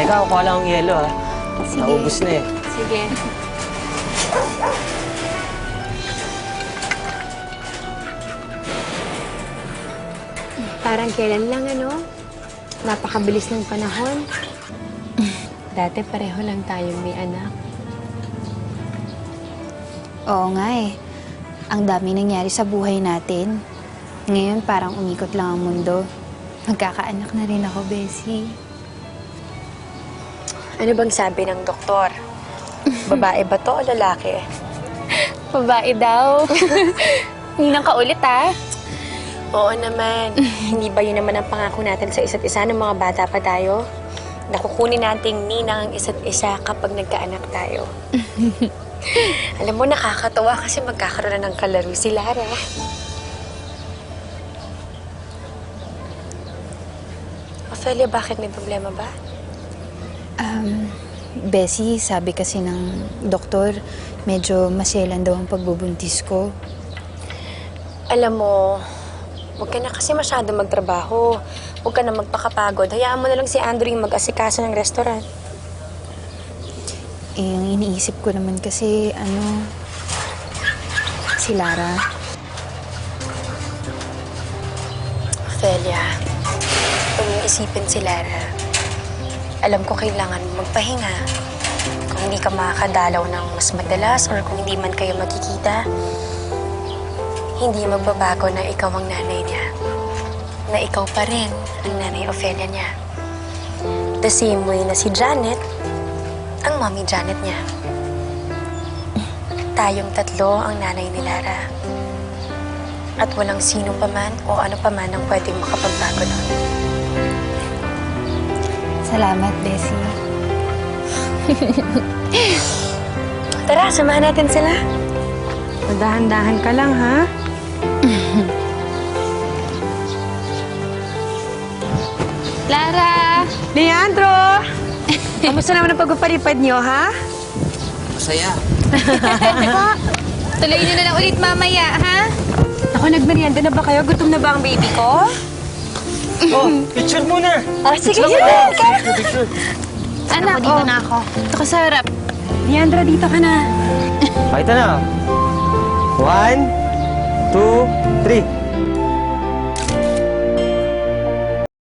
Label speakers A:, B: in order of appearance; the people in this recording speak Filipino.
A: Teka, kukuha lang ang yelo, ha?
B: Sige.
A: Naubos na, eh.
B: Sige. Parang kailan lang, ano? Napakabilis ng panahon. Dati pareho lang tayong may anak.
C: Oo nga eh. Ang dami nangyari sa buhay natin. Ngayon parang umikot lang ang mundo. Magkakaanak na rin ako, Bessie.
B: Ano bang sabi ng doktor? Babae ba to o lalaki?
C: Babae daw. Ninang ka ulit, ah.
B: Oo naman. Hindi ba yun naman ang pangako natin sa isa't isa ng mga bata pa tayo? Nakukunin nating ninang ang isa't isa kapag nagkaanak tayo. Alam mo, nakakatawa kasi magkakaroon na ng kalaro si Lara. Ophelia, bakit may problema ba?
C: Bessie, sabi kasi ng doktor, medyo maselan daw ang pagbubuntis ko.
B: Alam mo, huwag ka na kasi masyado magtrabaho. Huwag ka na magpakapagod. Hayaan mo na lang si Andrew yung mag-asikaso ng restaurant.
C: Eh, ang iniisip ko naman kasi, si Lara.
B: Ophelia, huwag mong isipin si Lara. Alam ko kailangan magpahinga. Kung hindi ka makakadalaw ng mas madalas or kung hindi man kayo magkikita, hindi magbabago na ikaw ang nanay niya. Na ikaw pa rin ang nanay Ophelia niya. The same way na si Janet, ang mommy Janet niya. Tayong tatlo ang nanay ni Lara. At walang sino pa man o ano pa man ang pwedeng makapagbago nun.
C: Salamat, Bessie.
B: Tara, samahan natin sila.
D: Dahan-dahan ka lang, ha?
C: Lara!
D: Leandro! Kamusta naman ang pagpapalipad niyo, ha?
A: Masaya.
C: Tuloy niyo na lang ulit mamaya, ha?
D: Ako, nagmerienda na ba kayo? Gutom na ba ang baby ko?
A: Oh, picture muna!
B: Sige,
A: Picture.
C: Anak, dito na ako. Ito ka sa harap.
D: Leandro, dito ka na.
A: Pakita na. 1, 2, 3.